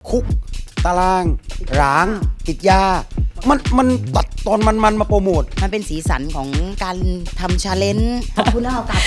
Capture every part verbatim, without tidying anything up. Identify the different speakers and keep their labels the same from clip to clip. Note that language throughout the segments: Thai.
Speaker 1: คุกตารางร้างติดยามันมันตัดตอนมันมันมาโปรโมท
Speaker 2: มันเป็นสีสันของการทำชาเลนจ์ขอบคุณนะโอกาส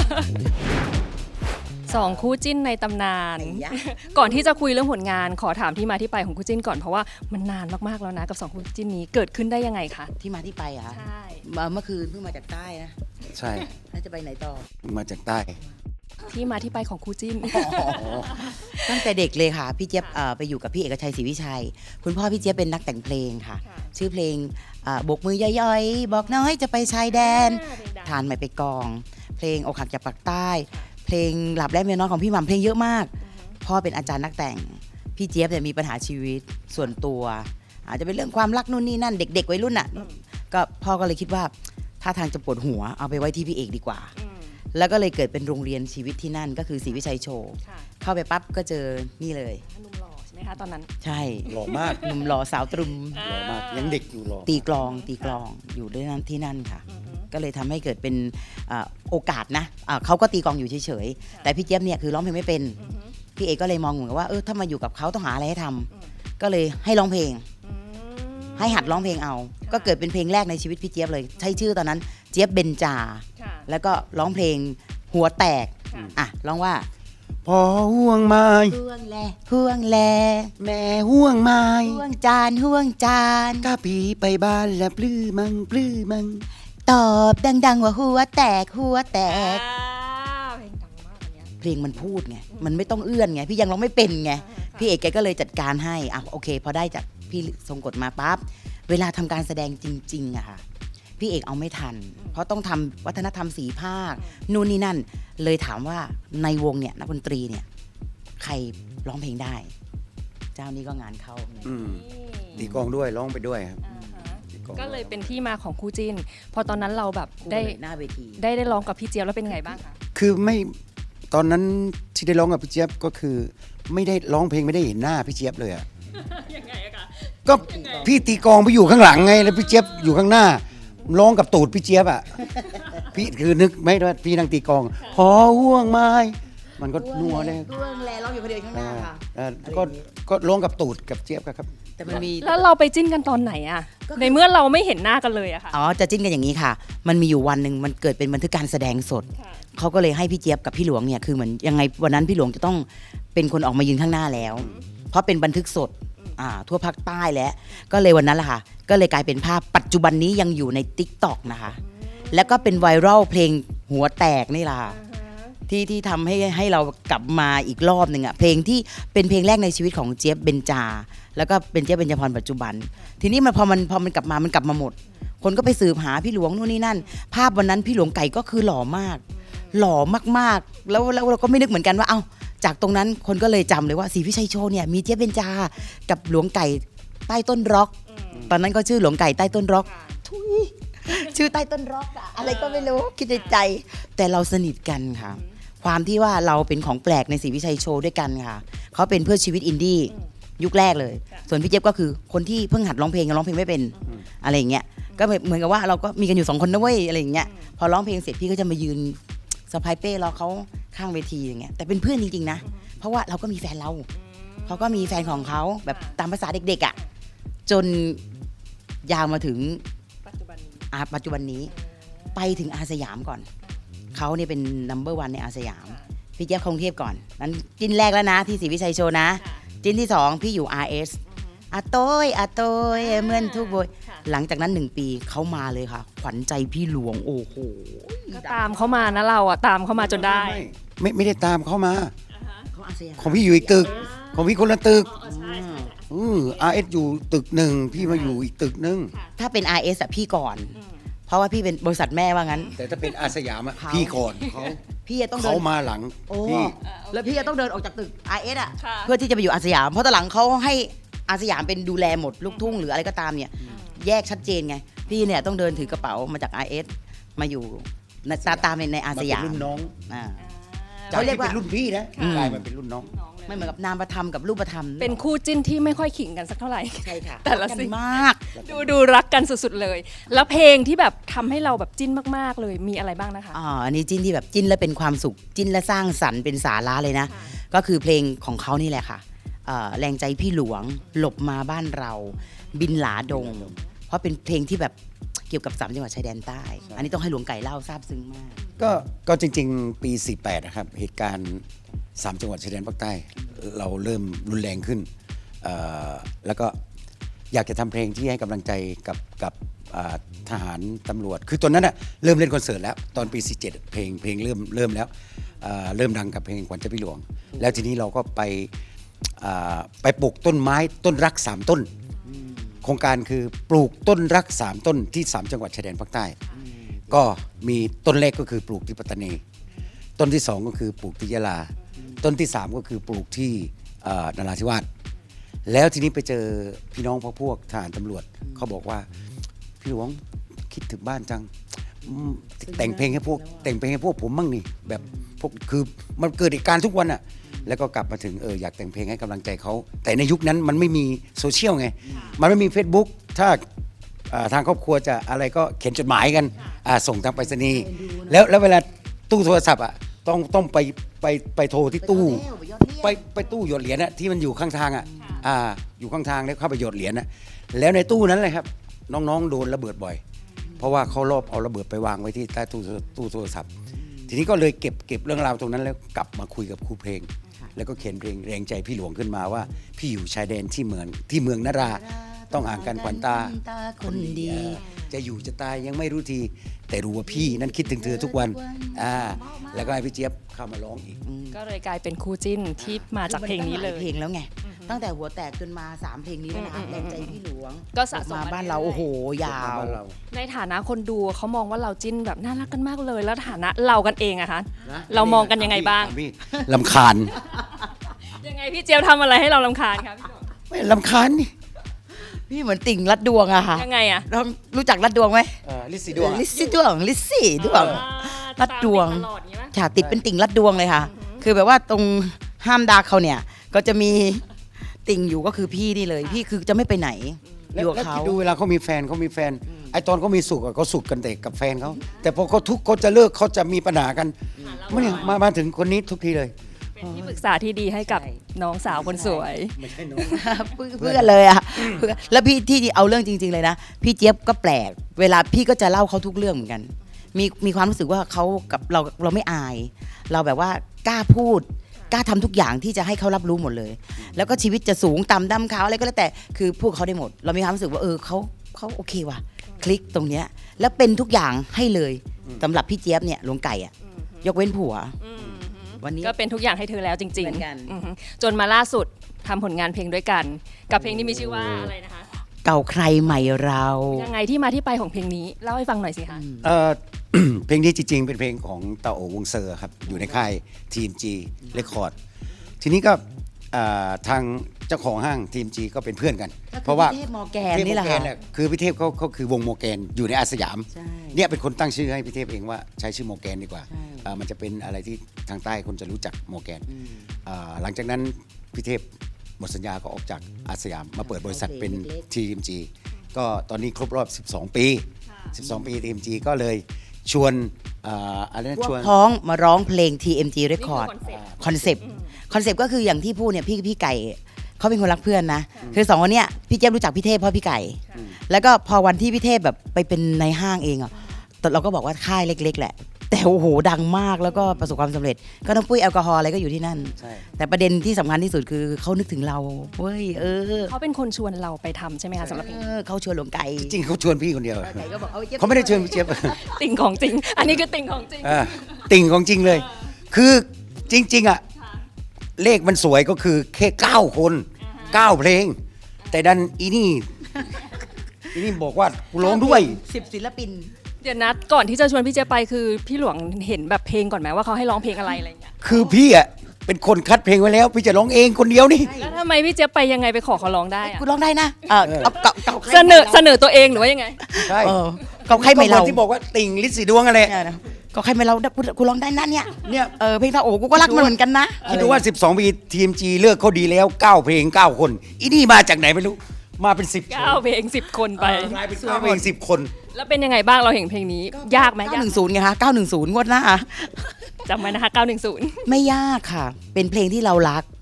Speaker 3: สองคู่จิ้นในตำนาน ก่อนที่จะคุยเรื่องผลงานขอถามที่มาที่ไปของคู่จิ้นก่อนเพราะว่ามันนานมากๆแล้วนะกับสองคู่จิ้นนี้เกิดขึ้นได้ยังไงคะ
Speaker 2: ที่มาที่ไปอะคะ
Speaker 3: ใช่
Speaker 2: เมื่อคืนเพิ่งมาจากใต้นะ
Speaker 1: ใช่
Speaker 2: แล้วจะไปไหนต่อ
Speaker 1: มาจากใต้
Speaker 3: ที่มาที่ไปของคู่จิ้น
Speaker 2: ตั้งแต่เด็กเลยค่ะพี่เจี๊ยบไปอยู่กับพี่เอกชัยศรีวิชัยคุณพ่อพี่เจี๊ยบเป็นนักแต่งเพลงค่ะชื่อเพลงบกมือย่อยๆบอกน้อยจะไปชายแดนทานไม่ไปกองเพลงอกหักจากปากใต้เพลงหลับและเมียน้อยของพี่หม่ำเพลงเยอะมากพ่อเป็นอาจารย์นักแต่งพี่เจี๊ยบเนี่ยมีปัญหาชีวิตส่วนตัวอาจจะเป็นเรื่องความรักนู่นนี่นั่นเด็กๆวัยรุ่นน่ะก็พ่อก็เลยคิดว่าถ้าทางจะปวดหัวเอาไปไว้ที่พี่เอกดีกว่าแล้วก็เลยเกิดเป็นโรงเรียนชีวิตที่นั่นก็คือศรีวิชัยโชว์เข้าไปปั๊บก็เจอนี่เลย
Speaker 3: หนุ่มหล่อใช่ไหมคะตอนนั้น
Speaker 2: ใช่
Speaker 1: หล่อมาก
Speaker 2: หนุ่มหล่อสาวตรึม
Speaker 1: หล่อมากยังเด็กอยู่หล่อ
Speaker 2: ตีกลองตีกลองอยู่ด้วยนั้นที่นั่นค่ะก็เลยทำให้เกิดเป็นโอกาสนะเขาก็ตีกลองอยู่เฉยๆแต่พี่เจี๊ยบเนี่ยคือร้องเพลงไม่เป็นพี่เอกก็เลยมองเหมือนกับว่าเออถ้ามาอยู่กับเขาต้องหาอะไรให้ทำก็เลยให้ร้องเพลงให้หัดร้องเพลงเอาก็เกิดเป็นเพลงแรกในชีวิตพี่เจี๊ยบเลยใช้ชื่อตอนนั้นเจี๊ยบเบญจาแล้วก็ร้องเพลงหัวแตกอ่ะร้องว่า
Speaker 1: พอห่วงไม้
Speaker 2: ห่วงแลห่วงแล
Speaker 1: แม่ห่วงไม้
Speaker 2: ห่วงจานห่วงจาน
Speaker 1: กะปีไปบ้านและปลื้อมังปลื้อมัง
Speaker 2: ตอบดังๆว่าหัวแตกหัวแตก
Speaker 3: เพลงดังมากอันเนี้ย
Speaker 2: เพลงมันพูดไงมันไม่ต้องเอื้อนไงพี่ยังร้องไม่เป็นไงพี่เอกแกก็เลยจัดการให้อ่ะโอเคพอได้จากพี่ทรงกฎมาปั๊บเวลาทำการแสดงจริงๆอะค่ะพี่เอกเอาไม่ทันเพราะต้องทำวัฒนธรรมสีภาคนู่นนี่นั่นเลยถามว่าในวงเนี่ยนักดนตรีเนี่ยใครร้องเพลงได้เจ้านี้ก็งานเข้า
Speaker 1: ตีกลองด้วยร้องไปด้วยครับ
Speaker 3: ก็เลยเป็นที่มาของคู่จิ้นพอตอนนั้นเราแบบได้
Speaker 2: หน้าเวที
Speaker 3: ได้ได้ร้องกับพี่เจี๊ยบแล้วเป็นไงบ้างคะ
Speaker 1: คือไม่ตอนนั้นที่ได้ร้องกับพี่เจี๊ยบก็คือไม่ได้ร้องเพลงไม่ได้เห็นหน้าพี่เจี๊ยบเลยอะ
Speaker 3: ยังไงอะคะ
Speaker 1: ก็พี่ตีกลองไปอยู่ข้างหลังไงแล้วพี่เจี๊ยบอยู่ข้างหน้าร้องกับตูดพี่เจี๊ยบอ่ะพี่คือนึกไหมว่าพี่นั่งตีกลองหอห่วงไม้มันก็นัวเลย
Speaker 2: ห่วงแลร้องอยู่คนเดียวข้างหน้าค่ะ
Speaker 1: ก็ก็ร้องกับตูดกับเจี๊ยบครับ
Speaker 2: แต่มันมี
Speaker 3: แล้วเราไปจิ้นกันตอนไหนอะในเมื่อเราไม่เห็นหน้ากันเลยอะค่ะ
Speaker 2: อ๋อจะจิ้นกันอย่างนี้ค่ะมันมีอยู่วันหนึ่งมันเกิดเป็นบันทึกการแสดงสดเขาก็เลยให้พี่เจี๊ยบกับพี่หลวงเนี่ยคือเหมือนยังไงวันนั้นพี่หลวงจะต้องเป็นคนออกมายืนข้างหน้าแล้วเพราะเป็นบันทึกสดอ่าทั่วภาคใต้แล้วก็เลยวันนั้นแหละค่ะก็เลยกลายเป็นภาพปัจจุบันนี้ยังอยู่ใน ติ๊กต็อก นะคะแล้วก็เป็นไวรัลเพลงหัวแตกนี่ล่ะที่ที่ทำให้ให้เรากลับมาอีกรอบหนึ่งอ่ะเพลงที่เป็นเพลงแรกในชีวิตของเจี๊ยบเบญจาแล้วก็เป็นเจี๊ยบเบญจพรปัจจุบันทีนี้มันพอมันพอมันกลับมามันกลับมาหมดคนก็ไปสืบหาพี่หลวงนู่นนี่นั่นภาพวันนั้นพี่หลวงไก่ก็คือหล่อมากหล่อมากๆแล้วแล้วเราก็ไม่นึกเหมือนกันว่าเอ้าจากตรงนั้นคนก็เลยจำเลยว่าศรีวิชัยโชว์เนี่ยมีเจี๊ยบเบญจากับหลวงไก่ใต้ต้นร็อกตอนนั้นก็ชื่อหลวงไก่ใต้ต้นร็อกทุยชื่อใต้ต้นร็อกอะอะไรก็ไม่รู้คิดในใจแต่เราสนิทกันค่ะความที่ว่าเราเป็นของแปลกในศรีวิชัยโชว์ด้วยกันค่ะเขาเป็นเพื่อชีวิตอินดี้ยุคแรกเลยส่วนพี่เจี๊ยบก็คือคนที่เพิ่งหัดร้องเพลงร้องเพลงไม่เป็นอะไรอย่างเงี้ยก็เหมือนกับว่าเราก็มีกันอยู่สองคนนะเว้ยอะไรอย่างเงี้ยพอร้องเพลงเสร็จพี่ก็จะมายืนสะพายเป้รอเขาข้างเวทีอย่างเงี้ยแต่เป็นเพื่อนจริงๆนะเพราะว่าเราก็มีแฟนเราเขาก็มีแฟนของเขาแบบตามภาษาเด็กๆอ่ะจนยาวมาถึง
Speaker 3: ปัจจุบันนี้
Speaker 2: ปัจจุบันนี้ไปถึงอาสยามก่อนเขาเนี่ยเป็น นัมเบอร์ วันในอาสยามพี่เจี๊ยบกรุงเทพก่อนนั้นจิ้นแรกแล้วนะที่ศรีวิชัยโชว์นะจิ้นที่สองพี่อยู่ อาร์ เอส อาโต้ยอาโต้ยเหมือนทุกโบยหลังจากนั้นหนึ่งปีเขามาเลยค่ะขวัญใจพี่หลวงโอ้โห
Speaker 3: ก็ตามเขามานะเราอ่ะตามเขามาจนได้
Speaker 1: ไม่ไม่ได้ตามเขามา
Speaker 2: เขาอาสยาม
Speaker 1: ของพี่อยู่อีกตึกของพี่คนละตึกอือ อาร์ เอส อยู่ตึกหนึ่งพี่มาอยู่อีกตึกนึง
Speaker 2: ถ้าเป็น อาร์ เอส อ่ะพี่ก่อนเพราะว่าพี่เป็นบริษัทแม่ว่างั้น
Speaker 1: แต่ถ้าเป็นอาสยามอ่ะพี่ก่อนเขา
Speaker 2: พี่ต้อง
Speaker 1: เขามาหลัง
Speaker 2: พี่แล้วพี่จะต้องเดินออกจากตึก อาร์ เอส อ่ะเพื่อที่จะไปอยู่อาสยามเพราะตอนหลังเขาให้อาสยามเป็นดูแลหมดลูกทุ่งหรืออะไรก็ตามเนี่ยแยกชัดเจนไงพี่เนี่ยต้องเดินถือกระเป๋ามาจาก อาร์ เอส มาอยู่ตาตามในอาสยาม
Speaker 1: รุ่นน้อง
Speaker 2: อ่า
Speaker 1: เขาเรียกว่ารุ่นพี่นะกลายมาเป็นรุ่นน้อง
Speaker 2: ไม่เหมือนกับนามธรรมกับรูปธรรม
Speaker 3: เป็นคู่จิ้นที่ไม่ค่อยขิงกันสักเท่าไหร่
Speaker 2: ใช่ค่ะ
Speaker 3: แต่ละสิ่ง
Speaker 2: มาก
Speaker 3: ดูดูรักกันสุดๆเลยแล้วเพลงที่แบบทำให้เราแบบจิ้นมากๆเลยมีอะไรบ้างนะคะ
Speaker 2: อ๋ออันนี้จิ้นที่แบบจิ้นแล้วเป็นความสุขจิ้นและสร้างสรรค์เป็นสาระเลยนะก็คือเพลงของเขานี่แหละค่ะเอ่อแรงใจพี่หลวงหลบมาบ้านเรา บินหลาดง เพราะเป็นเพลงที่แบบเกี่ยวกับสามจังหวัดชายแดนใต้ อันนี้ต้องให้หลวงไก่เล่าซาบซึ้งมาก
Speaker 1: ก็ก็จริงๆ ปี สี่แปด นะครับ เหตุการณ์สามจังหวัดชายแดนภาคใต้ เราเริ่มรุนแรงขึ้นเอ่อแล้วก็อยากจะทำเพลงที่ให้กำลังใจกับกับอ่าทหารตำรวจ คือตอนนั้นน่ะเริ่มเล่นคอนเสิร์ตแล้ว ตอนปี สี่เจ็ด เพลงเพลงเริ่มเริ่มแล้วอ่าเริ่มดังกับเพลงขวัญใจพี่หลวง แล้วทีนี้เราก็ไปอ่าไปปลูกต้นไม้ต้นรักสามต้น โครงการคือปลูกต้นรักสามต้นที่สามจังหวัดชายแดนภาคใต้ ก็มีต้นแรกก็คือปลูกที่ปัตตานี ต้นที่สองก็คือปลูกที่ยะลา ต้นที่สามก็คือปลูกที่เอ่อนราธิวาส แล้วทีนี้ไปเจอพี่น้องพวกพวกทหารตำรวจเขาบอกว่าพี่หลวงคิดถึงบ้านจังอืมแต่งเพลงให้พวกแต่งเพลงให้พวกผมมั่งนี่แบบพวกคือมันเกิดเหตุการณ์ทุกวันอ่ะแล้วก็กลับมาถึงเอออยากแต่งเพลงให้กำลังใจเขาแต่ในยุคนั้นมันไม่มีโซเชียลไงมันไม่มี Facebook ถ้าอ่าทางครอบครัวจะอะไรก็เขียนจดหมายกันอ่าส่งทางไปรษณีย์แล้วแล้วเวลาตู้โทรศัพท์อ่ะต้องต้องไปไปไปโทรที่ตู้ ไปไปตู้หยดเหรียญอะที่มันอยู่ข้างทางอะอ่าอยู่ข้างทางแล้วเข้าไปหยดเหรียญนะแล้วในตู้นั้นเลยครับ น้องๆโดนระเบิดบ่อย เพราะว่าเขารอบเอาระเบิดไปวางไว้ที่ใต้ตู้ตู้โทรศัพท์ ทีนี้ก็เลยเก็บเก็บเรื่องราวตรงนั้นแล้วกลับมาคุยกับครูเพลง แล้วก็เขียนเพลงแรงใจพี่หลวงขึ้นมาว่า พี่อยู่ชายแดนที่เมืองที่เมืองนรา ต้องอ่างกันขวัญตา
Speaker 2: คนดี
Speaker 1: เออจะอยู่จะตายยังไม่รู้ที แต่รู้ว่าพี่นั้นคิดถึงเธอทุกวันอ่าแล้วก็ให้พี่เจี๊ยบเข้ามาร้องอีก
Speaker 3: ก็เลยกลายเป็นคู่จิ้นที่มาจากเพลงนี้เลย
Speaker 2: เพลงแล้วไง ตั้งแต่หัวแตกจนมาสามเพลงนี้แล้วนะ
Speaker 3: อืม
Speaker 2: แรงใจพี่หลวง
Speaker 3: ก็สะสม
Speaker 2: มา
Speaker 3: มา
Speaker 2: บ้านเรา
Speaker 3: เรื่อยๆ
Speaker 2: โอ้โหยาว
Speaker 3: ในฐานะคนดูเขามองว่าเราจิ้นแบบน่ารักกันมากเลย แล้วฐานะเรากันเองอะคะ
Speaker 1: นะ
Speaker 3: เรามองกันยังไงบ้าง
Speaker 1: พี่ลำคาญ
Speaker 3: ยังไงพี่เจี๊ยบทำอะไรให้เรารำคาญคะพี่หลวง
Speaker 1: ไม่ลำคาญนี่
Speaker 2: พี่เหมือนติ่งลัดดวงอะค่ะ
Speaker 3: ยังไงอะ
Speaker 2: ลองรู้จักลัดดวงไหม
Speaker 1: เออลิซซี่ดวงอะ
Speaker 2: ลิซซี่ดวงลิซซี่ดวง
Speaker 3: อ่า
Speaker 2: ลัดดวง
Speaker 3: ตามติตลอดอย่างงี้ปะ
Speaker 2: ฉากติดเป็นติ่งลัดดวงเลยค่ะ คือแบบว่าตรงห้ามดาเขาเนี่ย ก็จะมีติ่งอยู่ก็คือพี่นี่เลย พี่คือจะไม่ไปไหนอ
Speaker 1: แล้ว
Speaker 2: ยู่กับ
Speaker 1: แล้ว
Speaker 2: เขา
Speaker 1: คิดดูเวลาเขามีแฟนเขามีแฟน ไอตอนเขามีสุขอะเขาสุขกันแต่กับแฟนเขาแต่พอเขาทุกข์เขาจะเลิกเขาจะมีปัญหากันมันเนี่ยมามาถึงคนนี้ทุกทีเลย
Speaker 3: เป็นที่ปรึกษาที่ดีให้กับ
Speaker 2: ใช่
Speaker 3: น้องสาวคนสวย
Speaker 1: ไม่ใช่น้อง
Speaker 2: เพื่อนเพื่อนเลยอะเพื่อนแล้วพี่ที่เอาเรื่องจริง ๆเลยนะ พี่เจี๊ยบก็แปลก เวลาพี่ก็จะเล่าเขาทุกเรื่องเหมือนกัน มีมีความรู้สึกว่าเขากับเราเราไม่อาย เราแบบว่ากล้าพูด กล้าทำทุกอย่างที่จะให้เขารับรู้หมดเลย แล้วก็ชีวิตจะสูงต่ำดำขาวอะไรก็แล้วแต่คือพูดเขาได้หมด เรามีความรู้สึกว่าเออเขาเขาโอเคว่ะคลิกตรงเนี้ยแล้วเป็นทุกอย่างให้เลยสำหรับพี่เจี๊ยบเนี่ยหลวงไก่อะยกเว้นผัว วันนี้
Speaker 3: ก็เป็นทุกอย่างให้เธอแล้วจริง
Speaker 2: เหมือนกัน
Speaker 3: อือฮึจนมาล่าสุดทำผลงานเพลงด้วยกัน กับเพลงที่มีชื่อว่าอะไรนะคะ
Speaker 2: เก่าใครใหม่เรา
Speaker 3: ยังไงที่มาที่ไปของเพลงนี้เล่าให้ฟังหน่อยสิคะ
Speaker 1: เอ่อ เพลงนี้จริงๆ เป็นเพลงของตาโอวงเซอร์ครับ อยู่ในค่าย ที เอ็ม จี Record ทีนี้ก็อ่าทางเจ้าของห้าง ที เอ็ม จี ก็เป็นเพื่อนกัน เพราะว่า
Speaker 2: พี่เทพมอร์แกนนี่แหละ
Speaker 1: เทพ
Speaker 2: ค่ะ
Speaker 1: โมแกนคือพี่เทพเขาเขาคือวงโมแกนอยู่ในอาสยาม
Speaker 2: ใช่
Speaker 1: เนี่ยเป็นคนตั้งชื่อให้พี่เทพเองว่าใช้ชื่อโมแกนดีกว่า
Speaker 2: ใช่
Speaker 1: อ่ามันจะเป็นอะไรที่ทางใต้คนจะรู้จักโมแกน
Speaker 2: อืม
Speaker 1: อ่าหลังจากนั้นพี่เทพหมดสัญญาก็ออกจากอาสยาม มาเปิดบริษัทเป็น
Speaker 2: เล็ก
Speaker 1: ที เอ็ม จี ก็ตอนนี้ครบรอบ สิบสอง ปี สิบสอง ปี ที เอ็ม จี ก็เลยชวนอ่าอะไรนะ
Speaker 2: พว
Speaker 1: ช
Speaker 2: ก
Speaker 1: วน
Speaker 2: พ้องมาร้องเพลง ที เอ็ม จี
Speaker 3: นี่คือ
Speaker 2: Record
Speaker 3: คอนเซ็ปต์
Speaker 2: คอนเซปต์คอนเซปต์ก็คืออย่างที่พูดเนี่ยพี่พี่ไก่เขาเป็นคนรักเพื่อนนะ คือสองคนเนี้ยพี่เจี๊ยบรู้จักพี่เทพเพราะพี่ไก่ แล้วก็พอวันที่พี่เทพแบบไปเป็นในห้างเองอ่ะแต่เราก็บอกว่าค่ายเล็ก ๆ แหละ แต่โอ้โหดังมากแล้วก็ประสบความสำเร็จ ก็น้ำปุ้ยแอลกอฮอล์อะไรก็อยู่ที่นั่น
Speaker 1: ใช่
Speaker 2: แต่ประเด็นที่สำคัญที่สุดคือเขานึกถึงเราเว้ยเออ
Speaker 3: เขาเป็นคนชวนเราไปทำใช่ไหมคะสำหรับเพลง
Speaker 2: เอ
Speaker 3: นี้
Speaker 2: อเขาชวนหลวงไก่
Speaker 1: จริงๆเขาชวนพี่คนเดียว
Speaker 2: ไก่ก็บอกเอาจี๊ยบ
Speaker 1: เขาไม่ได้เชิญพี่เจี๊ยบ
Speaker 3: ติ่งของจริง อันนี้คือติ่งของจริง
Speaker 1: อ่าติ่งของจริงเลย คือจริง ๆ อ่ะ เลขมันสวยก็คือแค่เก้าคนเก้าเพลง แต่ดันอีนี่ อีนี่บอกว่ากูร้องด้วย
Speaker 2: สิบศิลปิน
Speaker 3: เดี๋ยวนะก่อนที่จะชวนพี่เจไปคือพี่หลวงเห็นแบบเพลงก่อนไหมว่าเขาให้ร้องเพลงอะไรอะไรอย่างเงี้ย
Speaker 1: คือพี่อ่ะเป็นคนคัดเพลงไว้แล้ว พี่จะร้องเองคนเดียวนี่
Speaker 3: แล้วทำไมพี่เจไปยังไงไปขอเขาร้องได้อะ
Speaker 2: กูร้องได้นะเออเอาเก่าเก่าใคร
Speaker 3: เสนอเสนอตัวเองหรือว่ายังไง
Speaker 1: ใช่
Speaker 2: เออเก่าใครไม่เรา
Speaker 1: ก็คนที่บอกว่าติ่งลิศสีดวงอะไร
Speaker 2: เนี่ยนะก็ใครไม่เรากูกูร้องได้นะเนี่ย
Speaker 1: เนี่ย
Speaker 2: เออเพลงตาโอ้กูก็รักมันเหมือนกันนะ
Speaker 1: คิดดูว่า สิบสอง ปี ที เอ็ม จี เลือกเขาดีแล้วเก้าเพลงเก้าคน อีนี่มาจากไหนไม่รู้ มาเป็นสิบ
Speaker 3: เก้าเพลงสิบคนไป
Speaker 1: กลายเป็นเก้าเพลงสิบคน
Speaker 3: แล้วเป็นยังไงบ้างเราเห็นเพลงนี้ ยากไหมาก
Speaker 2: เก้ายหนึ่งศูนย์ไงคะเก้าหนึ่งศูนย์งวดหน้า
Speaker 3: จำไว้นะคะเก้าหนึ่งศูนย์
Speaker 2: ไม่ยากค่ะ เป็นเพลงที่เรารัก เป็น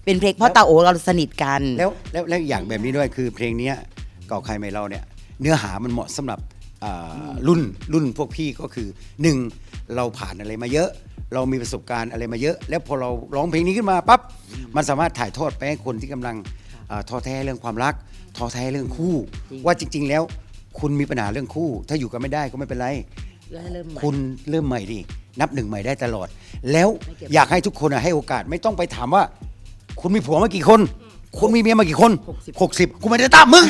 Speaker 2: เป็นเพลงเพราะตาโอเราสนิทกัน
Speaker 1: แล้วแล้วแล้วอย่างแบบนี้ด้วยคือเพลงเนี้ยเก่าใครไม่เราเนี่ยเนื้อหามันเหมาะสำหรับอ่ารุ่นรุ่นพวกพี่ก็คือหนึ่งเราผ่านอะไรมาเยอะ เรามีประสบการณ์อะไรมาเยอะ แล้วพอเราร้องเพลงนี้ขึ้นมาปั๊บมันสามารถถ่ายทอดไปให้คนที่กำลังอ่าท้อแท้เรื่องความรักท้อแท้เรื่องคู่
Speaker 2: จริง
Speaker 1: ว่าจริง ๆ แล้วคุณมีปัญหาเรื่องคู่ ถ้าอยู่กันไม่ได้ก็ไม่เป็นไร
Speaker 2: แล้วให้เริ่มใหม่
Speaker 1: คุณเริ่มใหม่ดินับหนึ่งใหม่ได้ตลอด แล้ว
Speaker 2: ไม่เก็บ
Speaker 1: อยากให้ทุกคนอะให้โอกาสไม่ต้องไปถามว่า คุณมีผัวมากี่คน คุณมีเมียมากี่คน
Speaker 2: หกสิบ
Speaker 1: หกสิบกูไม่ได้ตามมึง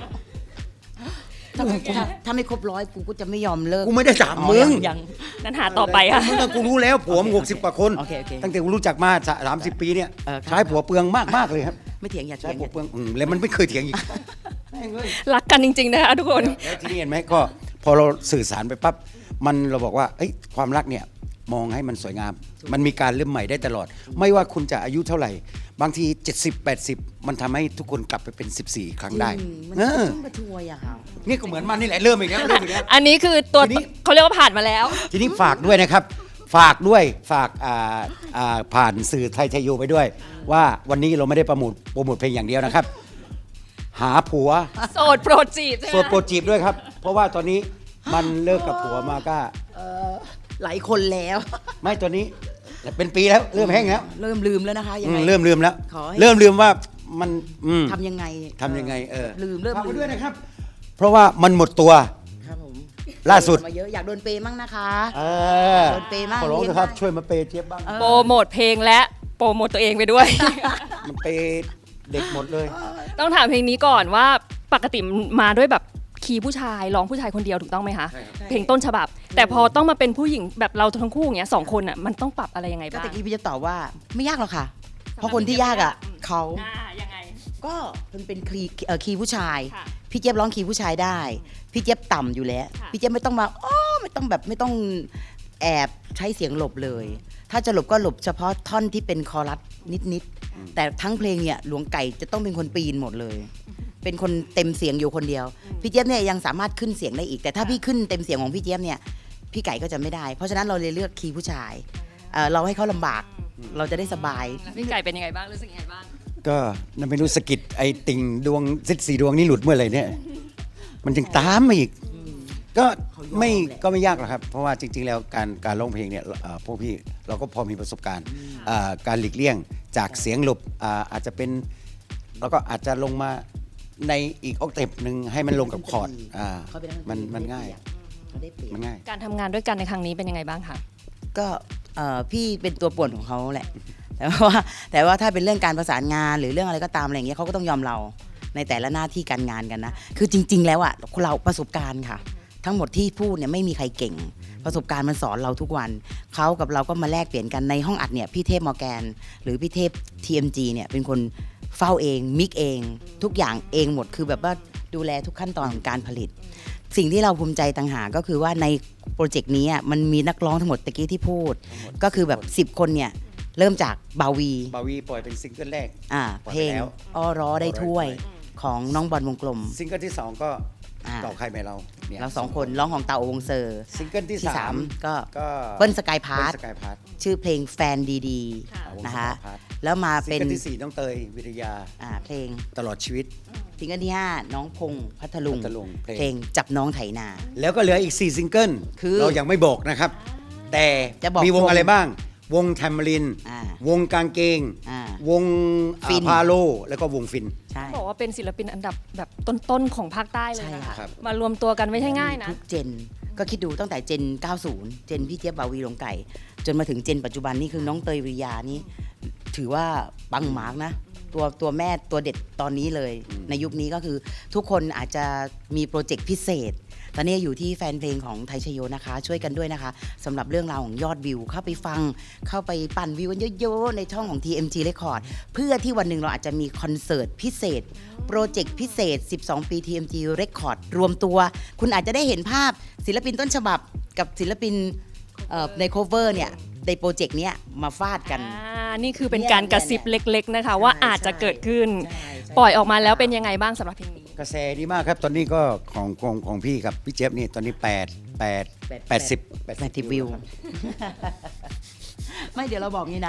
Speaker 2: ถ้าถ้าถ้าไม่ครบร้อยกูก็จะไม่ยอมเลิก
Speaker 1: กูไม่ได้ถาม
Speaker 2: อ๋อ
Speaker 1: มึง
Speaker 2: ยัง
Speaker 3: นั้นหาต่อไปค่ะ
Speaker 1: มึงก็กูรู้แล้วผัวมึงหกสิบกว่าคน
Speaker 2: โอเคโอเค
Speaker 1: ตั้งแต่กูรู้จักมาสามสิบปีเนี่ย
Speaker 2: เออครับ
Speaker 1: ใช้ผัวเปลืองมากมากๆเลยครับ
Speaker 2: ไม่เถียงอย่า
Speaker 1: ใช้
Speaker 2: เถียง
Speaker 1: ผัวเปลืองอืมแล้วมันไม่เคยเถียงอีกแม่งเอ้ย
Speaker 3: รักกันจริงๆนะคะทุกคน
Speaker 1: แล้วทีนี้เห็นไหมก็พอเราสื่อสารไปปั๊บมันเราบอกว่าเอ้ยความรักเนี่ยมองให้มันสวยงาม มันมีการเริ่มใหม่ได้ตลอด ไม่ว่าคุณจะอายุเท่าไหร่ บางทีเจ็ดสิบ แปดสิบมันทำให้ทุกคนกลับไปเป็นสิบสี่ครั้งได้
Speaker 2: จริงมัน
Speaker 1: เอ
Speaker 2: ก็
Speaker 1: อ
Speaker 2: ต้องกระชวยอะค่ะ
Speaker 1: นี่ก็เหมือนมันนี่แหละเริ่มอีกแล้วเริ่มอีกแล้ว
Speaker 3: อันนี้คือตัว
Speaker 1: ทีนี้
Speaker 3: เขาเรียกว่าผ่านมาแล้ว
Speaker 1: ทีนี้ฝากด้วยนะครับ ฝากด้วยฝากอ่าอ่าผ่านสื่อไทยชัยโยไปด้วย ว่าวันนี้เราไม่ได้โปรโมทโปรโมทเพลงอย่างเดียวนะครับ หาผัว
Speaker 3: โสดโปรดจีบใช่ไห
Speaker 1: โส
Speaker 3: ม
Speaker 1: ดโปรดจีบด้วยครับ เพราะว่าตอนนี้มันเลิกกับผัวมาก็
Speaker 2: หลายคนแล้ว
Speaker 1: ไม่ตอนนี้เป็นปีแล้วเริ่มแห้งแล้ว
Speaker 2: เริ่มลืมแล้วนะคะยัง
Speaker 1: อื
Speaker 2: ไง
Speaker 1: มเริ่มลืมแล้ว
Speaker 2: ขอให้
Speaker 1: เริ่มลืมว่ามันอืม
Speaker 2: ทำยังไง
Speaker 1: ทำยังไงเออ
Speaker 2: ลืมเริ่ม
Speaker 1: ฝาก
Speaker 2: ลื
Speaker 1: ไว้
Speaker 2: ม
Speaker 1: ด้วยนะครับ เพราะว่ามันหมดตัว
Speaker 2: ครับผม
Speaker 1: ล่าสุด
Speaker 2: มาเยอะอยากโดนเปย์มั่งนะคะ
Speaker 1: เออ
Speaker 2: โดนเปย์มาก
Speaker 1: ขอร้องนะครับ
Speaker 2: เลี้ยงได้
Speaker 1: ช่วยมาเปย์เจี๊ยบบ้าง
Speaker 3: โปรโมทเพลงและโปรโมทตัวเองไปด้วย
Speaker 1: มันเปย์เด็กหมดเลย
Speaker 3: ต้องถามเพลงนี้ก่อนว่าปกติมาด้วยแบบคีย์ผู้ชายร้องผู้ชายคนเดียวถูกต้องไหมคะ
Speaker 1: ใช่ครับ
Speaker 3: เพลงต้นฉบับ แต่พอต้องมาเป็นผู้หญิงแบบเราทั้งคู่อย่างเงี้ยสองคนอ่ะมันต้องปรับอะไรยังไง
Speaker 2: ก็
Speaker 3: บ้าง
Speaker 2: ตะกี้พี่จะตอบว่าไม่ยากหรอกค่ะ เพราะคนที่ยากอ่ะเขา
Speaker 3: อ่ายังไง
Speaker 2: ก็มันเป็นคีย์เอ่อคีย์ผู้ชาย
Speaker 3: ค่ะ
Speaker 2: พี่เจี๊ยบร้องคีย์ผู้ชายได้ พี่เจี๊ยบต่ำอยู่แล้ว
Speaker 3: ค่ะ
Speaker 2: พี่เจี๊ยบไม่ต้องมาอ้อไม่ต้องแบบไม่ต้องแอบใช้เสียงหลบเลย ถ้าจะหลบก็หลบเฉพาะท่อนที่เป็นคอรัสนิดๆแต่ทั้งเพลงเนี่ยหลวงไก่จะต้องเป็นคนปีนหมดเลย เป็นคนเต็มเสียงอยู่คนเดียว พี่เจี๊ยบเนี่ยยังสามารถขึ้นเสียงได้อีก แต่ถ้าพี่ขึ้นเต็มเสียงของพี่เจี๊ยบเนี่ยพี่ไก่ก็จะไม่ได้ เพราะฉะนั้นเราเลยเลือกคีย์ผู้ชายเอ่อเราให้เขาลำบากเราจะได้สบาย
Speaker 3: พี่ไก่เป็นยังไงบ้างรู้สึกยังไงบ้าง
Speaker 1: ก็นั่นไม่รู้สะกิดไอ้ติ่งดวงซิดสีดวงนี่หลุดเมื่อไหร่เนี่ย มันจึงตามมาอีก ก็ไม่
Speaker 2: เขายอมแหละ
Speaker 1: ก็ไม่ยากหรอกครับ เพราะว่าจริง ๆ แล้วการการร้องเพลงเนี่ยเอ่อพวกพี่เราก็พอมีประสบการณ์อ่าการหลีกเลี่ยงจากเสียงหลบอ่าอาจจะเป็นแล้วก็อาจจะลงมาในอีกออกเทปหนึ่งให้มันลงกับคอร์ดอ่า
Speaker 2: เขาเป็นนักดนตรี
Speaker 1: มันมันง่าย
Speaker 2: เขาได้เปรียบ
Speaker 1: มันง่าย
Speaker 3: การทำงานด้วยกันในครั้งนี้เป็นยังไงบ้างคะ
Speaker 2: ก็เอ่อพี่เป็นตัวป่วนของเขาแหละ แต่ว่าแต่ว่าถ้าเป็นเรื่องการประสานงานหรือเรื่องอะไรก็ตามอะไรอย่างเงี้ยเขาก็ต้องยอมเราในแต่ละหน้าที่การงานกันนะ คือจริง ๆ แล้วอ่ะเราประสบการณ์ค่ะ ทั้งหมดที่พูดเนี่ยไม่มีใครเก่ง ประสบการณ์มันสอนเราทุกวันเขากับเราก็มาแลกเปลี่ยนกันในห้องอัดเนี่ยพี่เทพมอร์แกนหรือพี่เทพ ที เอ็ม จี เนี่ยเป็นคนเฝ้าเองมิกเอง ทุกอย่างเองหมดคือแบบว่าดูแลทุกขั้นตอนของการผลิต สิ่งที่เราภูมิใจต่างหากก็คือว่าในโปรเจกต์นี้อ่ะมันมีนักร้องทั้งหมดตะกี้ที่พูด ก็คือแบบสิบคนเนี่ยเริ่มจากบาวี
Speaker 1: บาวีปล่อยเป็นซิงเกิลแรก
Speaker 2: อ่า
Speaker 1: ปล่อย
Speaker 2: เพล
Speaker 1: ไป
Speaker 2: ง
Speaker 1: แล้ว
Speaker 2: อ้อร้อได้ถ้วย
Speaker 1: อ้อร้อได้ถ้
Speaker 2: ของน้องบอลวงกลม
Speaker 1: ซิงเกิลที่สองก็
Speaker 2: อ่า
Speaker 1: เก่าใครไม่เรานี่ย
Speaker 2: เราสองคนร้องของเตาโอวงเซอร์
Speaker 1: ซิงเกิลที่
Speaker 2: ที่
Speaker 1: สา
Speaker 2: สาม มก็
Speaker 1: ก็
Speaker 2: เบิ้ลสกายพาร์ท
Speaker 1: สกายพาร์ท
Speaker 2: ชื่อเพลงแฟนดี
Speaker 3: ค่ะ
Speaker 2: ๆนะคะ
Speaker 1: วงสกายพาร์ท
Speaker 2: แล้วมา
Speaker 1: ซิง
Speaker 2: เป็น
Speaker 1: เกิลที่สี่น้องเตยวิทยา
Speaker 2: อ่าเพลง
Speaker 1: ตลอดชีวิต
Speaker 2: ซิงเกิลที่ห้าน้องพงษ์พัทลุง
Speaker 1: พัทลุงเพลง
Speaker 2: เพลงจับน้องไถนา
Speaker 1: แล้วก็เหลืออีกสี่ซิงเกิล
Speaker 2: คือ
Speaker 1: เรายังไม่บอกนะครับ แต่
Speaker 2: จะบอก
Speaker 1: มีวง
Speaker 2: วง
Speaker 1: อะไรบ้าง วงแทมเมริน
Speaker 2: อ่า
Speaker 1: วงกางเกง
Speaker 2: อ่า
Speaker 1: วง
Speaker 2: ฟิน
Speaker 1: พาโล แล้วก็วงฟิน
Speaker 2: ใช่
Speaker 3: บอกว่าเป็นศิลปินอันดับแบบต้นๆของภาคใต้เลย
Speaker 2: ใช่
Speaker 3: นะ
Speaker 2: ค่ะ
Speaker 3: คะมารวมตัวกันไม่ใช่ง่ายนะ
Speaker 2: ทุกเจนก็คิดดูตั้งแต่เจน เก้าสิบ เจนพี่เจี๊ยบบาวีหลงไก่ จนมาถึงเจนปัจจุบันนี่คือน้องเตยวิริยานี่ถือว่าปังหมากนะ ตัวตัวแม่ตัวเด็ดตอนนี้เลย
Speaker 1: อืม
Speaker 2: ในยุคนี้ก็คือทุกคนอาจจะมีโปรเจกต์พิเศษ ตอนนี้อยู่ที่แฟนเพลงของไทยชโยนะคะ ช่วยกันด้วยนะคะสำหรับเรื่องราวของยอดวิว เข้าไปฟังเข้าไปปั่นวิวกันเยอะๆในช่องของ ที เอ็ม จี Record เพื่อที่วันหนึ่งเราอาจจะมีคอนเสิร์ตพิเศษ โปรเจกต์พิเศษ สิบสอง ปี ที เอ็ม จี Record รวมตัว คุณอาจจะได้เห็นภาพศิลปินต้นฉบับกับศิลปินเอ่อใน cover เนี่ยในโปรเจกต์เนี้ยมาฟาดกัน
Speaker 3: อ่า นี่คือเป็นการกระซิบเล็กๆนะคะ ว่า
Speaker 2: ใช่
Speaker 3: อาจจะเกิดขึ้น
Speaker 2: ใช่ใช่
Speaker 3: ปล่อยออกมาแล้วเป็นยังไงบ้างสำหรับเพลงนี้
Speaker 1: กระแสดีมากครับ ตอนนี้ก็ของของของพี่กับพี่เจี๊ยบนี่ตอนนี้แปด แปด แปดสิบ
Speaker 2: แปดสิบวิว ไม่เดี๋ยวเราบอกงี้นะ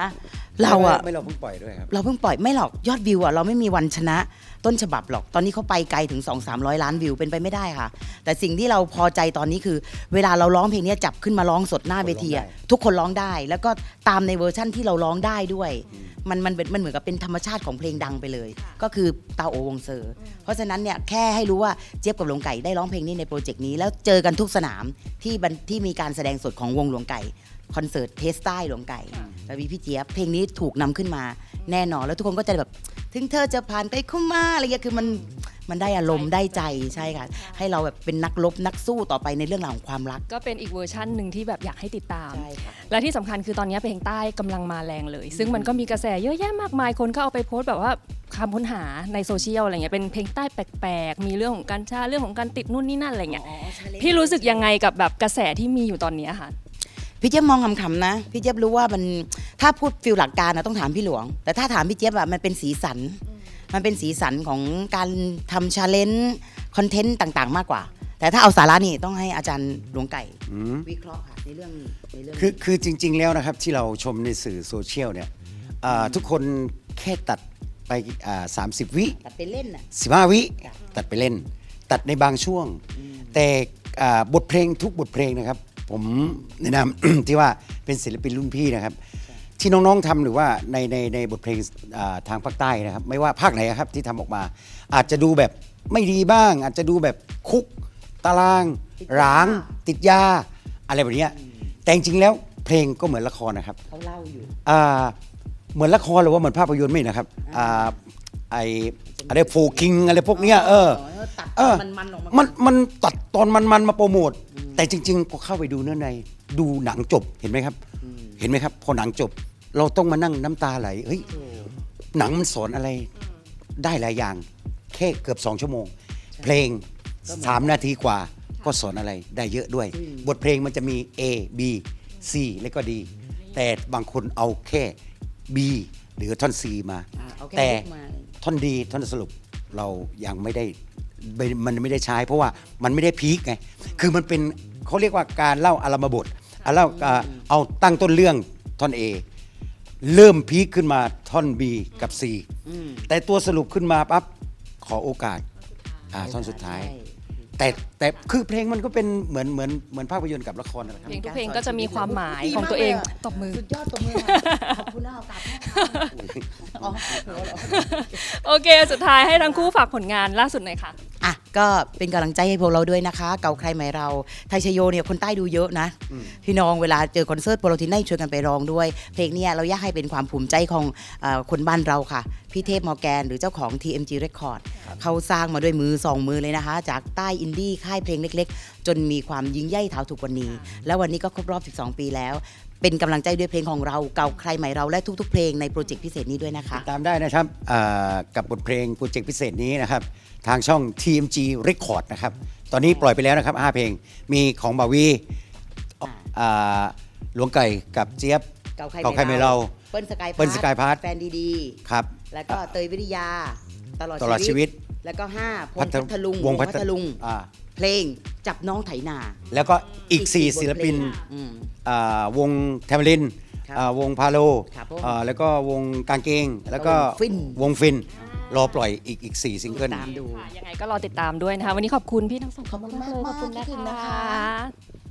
Speaker 2: เราอะ
Speaker 1: ไม่เราเพิ่งปล่อยด้วยครับ
Speaker 2: เราเพิ่งปล่อยไม่หรอกยอดวิวอะเราไม่มีวันชนะต้นฉบับหรอกตอนนี้เขาไปไกลถึง สองถึงสามร้อย ล้านวิวเป็นไปไม่ได้ค่ะ แต่สิ่งที่เราพอใจตอนนี้คือ เวลาเราร้องเพลงนี้จับขึ้นมาร้องสดหน้าเวทีอะทุกคนร้องได้ แล้วก็ตามในเวอร์ชั่นที่เราร้องได้ด้วยมันมันเป็นมันเหมือนกับเป็นธรรมชาติของเพลงดังไปเลย ก็คือตาโอวงเซอร์ เพราะฉะนั้นเนี่ยแค่ให้รู้ว่าเจี๊ยบกับหลวงไก่ได้ร้องเพลงนี้ในโปรเจกต์นี้แล้วเจอกันทุกสนามที่บันที่มีการแสดงสดของวงหลวงไก่คอนเสิร์ตเทสใต้หลวงไก่แล้วมีพี่เจี๊ยบเพลงนี้ถูกนำขึ้นมาแน่นอนแล้วทุกคนก็จะแบบถึงเธอจะผ่านไปเข้ามาอะไรเงี้ยคือมันมันได้อารมณ์ได้ใจใช่ค่ะให้เราแบบเป็นนักรบนักสู้ต่อไปในเรื่องราวของความรัก
Speaker 3: ก็เป็นอีกเวอร์ชั่นหนึ่งที่แบบอยากให้ติดตาม
Speaker 2: ใช่ค่ะ
Speaker 3: และที่สำคัญคือตอนนี้เพลงใต้กำลังมาแรงเลย ซึ่งมันก็มีกระแสเยอะแยะมากมายคนก็เอาไปโพสต์แบบว่าคำค้นหาในโซเชียลอะไรเงี้ยเป็นเพลงใต้แปลกๆมีเรื่องของการชาเรื่องของการติดนู่นนี่นั่นอะไรเงี้ยพี่รู้สึกยังไงกับแบบกระแสที่มีอยู่ตอนนี้ค่ะ
Speaker 2: พี่เจี๊ยบมองคำๆนะพี่เจี๊ยบรู้ว่ามันถ้าพูดฟิลหลักการนะต้องถามพี่หลวง แต่ถ้าถามพี่เจี๊ยบอะมันเป็นสีสัน มันเป็นสีสันของการทำชาเลนจ์คอนเทนต์ต่างๆ มากกว่า แต่ถ้าเอาสาระนี่ต้องให้อาจารย์หลวงไก่
Speaker 1: อืม
Speaker 2: วิเคราะห์ค่ะในเรื่องในเรื่อง
Speaker 1: คือคือจริง ๆ แล้วนะครับที่เราชมในสื่อโซเชียลเนี่ยอ่าทุกคนแค่ตัดไปสามสิบวิ
Speaker 2: ตัดไปเล่นน่ะ
Speaker 1: สิบห้าวิ
Speaker 2: ค่ะ
Speaker 1: ตัดไปเล่น ตัดในบางช่วง แต่อ่าบทเพลงทุกบทเพลงนะครับ ผมแนะนำ ที่ว่าเป็นศิลปินรุ่นพี่นะครับ ที่น้องๆทำหรือว่าในในในบทเพลงอ่าทางภาคใต้นะครับ ไม่ว่าภาคไหนครับที่ทำออกมา อาจจะดูแบบไม่ดีบ้าง อาจจะดูแบบคุกตาราง
Speaker 2: ติดยา
Speaker 1: ร้าง ติดยาอะไรแบบเนี้ยแต่จริงๆแล้วเพลงก็เหมือนละครนะครับ
Speaker 2: เขาเล่าอยู่
Speaker 1: อ่าเหมือนละครหรือว่าเหมือนภาพยนตร์ไม่นะครับอ่าไออะไรโฟกิงอะไรพวกเนี้ยเออ
Speaker 2: ตัด
Speaker 1: เออ
Speaker 2: มันๆออกมา
Speaker 1: มันมันตัดตอนมันมันมาโปรโมทแต่จริงๆพอเข้าไปดูเนื้อในดูหนังจบเห็นไหมครับ เห็นไหมครับ พอหนังจบ เราต้องมานั่งน้ำตาไหลเฮ้ยหนังมันสอนอะไรได้หลายอย่าง แค่เกือบสองชั่วโมง เพลงสามนาทีกว่าก็สอนอะไรได้เยอะด้วย บทเพลงมันจะมี A B C แล้วก็ D แต่บางคนเอาแค่ B หรือท่อน C มา
Speaker 2: อ่าเอาแค่
Speaker 1: แต่
Speaker 2: ยกมา
Speaker 1: ท่อนดีท่อนสรุปเรายังไม่ได้ไม่มันไม่ได้ใช้ เพราะว่ามันไม่ได้พีคไงคือมันเป็นเขาเรียกว่าการเล่าอารมบทเอาเล่าอ่าเอาตั้งต้นเรื่องท่อน A เริ่มพีคขึ้นมาท่อน B กับ C แต่ตัวสรุปขึ้นมาปั๊บขอโอกาสอ่าท่อนสุดท้าย แต่แต่คือเพลงมันก็เป็นเหมือนเหมือนเหมือนภาพยนตร์กับละครนั่นแหละครับ
Speaker 3: เพลงทุกเพลงก็จะมีความหมายของตัวเองตบมือ
Speaker 2: สุดยอดตบมือค่ะขอบคุณนะโอกาสให้ค่ะอ๋อหัวเราะ
Speaker 3: โอเค สุดท้ายให้ทั้งคู่ฝากผลงานล่าสุดหน่อยค่ะ
Speaker 2: อ่ะก็เป็นกำลังใจให้พวกเราด้วยนะคะ เก่าใครใหม่เราไทยชโยเนี่ยคนใต้ดูเยอะนะ พี่น้องเวลาเจอคอนเสิร์ตพวกเราที่ได้ช่วยกันไปร้องด้วย เพลงเนี้เราอยากให้เป็นความภูมิใจของเออคนบ้านเราค่ะ พี่เทพมอร์แกนหรือเจ้าของ ที เอ็ม จี Record เขาสร้างมาด้วยมือสองมือเลยนะคะ จากใต้อินดี้ค่ายเพลงเล็กๆ จนมีความยิ่งใหญ่เท่าทุกวันนี้ แล้ววันนี้ก็ครบรอบสิบสองปีแล้ว เป็นกำลังใจด้วยเพลงของเราเก่าใครใหม่เราและทุกๆเพลงในโปรเจกต์พิเศษนี้ด้วยนะคะ
Speaker 1: ตามได้นะครับอ่ากับบทเพลงโปรเจกต์พิเศษนี้นะครับ ทางช่อง ที เอ็ม จี Record นะครับ ตอนนี้ปล่อยไปแล้วนะครับห้าเพลง มีของบาวีอ่าหลวงไก่กับเจี๊ยบ
Speaker 2: เก่าใคร
Speaker 1: เก่าใครไม่เรา
Speaker 2: เปิ้ลสกาย
Speaker 1: เปิ้ลสกายพาร์ท
Speaker 2: แฟนดี
Speaker 1: ครับ
Speaker 2: ๆ แล้วก็เตยวิทยา ตลอด
Speaker 1: ตลอดชีวิต
Speaker 2: แล้วก็ห้าพง
Speaker 1: พั
Speaker 2: ษ์
Speaker 1: ท
Speaker 2: พัทลุง
Speaker 1: วงพั
Speaker 2: พัทลุง
Speaker 1: อ่า
Speaker 2: เพลงจับน้องไถนา
Speaker 1: แล้วก็อีก
Speaker 2: อีก
Speaker 1: สี่
Speaker 2: สี่
Speaker 1: ศิลปิน
Speaker 2: บทเพลงอืม
Speaker 1: อ่าวงแทมลิน
Speaker 2: ครับ
Speaker 1: อ่าวงพาโล
Speaker 2: ครับผม
Speaker 1: อ่าแล้วก็วงกางเกง แล้วก็
Speaker 2: วงฟิน
Speaker 1: วงฟิน รอปล่อยอีกอีกสี่ซิงเกิล
Speaker 2: ตามดู
Speaker 3: ค่ะยังไงก็รอติดตามด้วยนะคะ วันนี้ขอบคุณพี่ทั้งสองคน
Speaker 2: ขอบคุณ
Speaker 3: มากๆเลย
Speaker 2: มากๆ
Speaker 3: ขอบคุณ
Speaker 2: ขอบคุณ
Speaker 3: นะ
Speaker 2: นะคะ
Speaker 3: คะ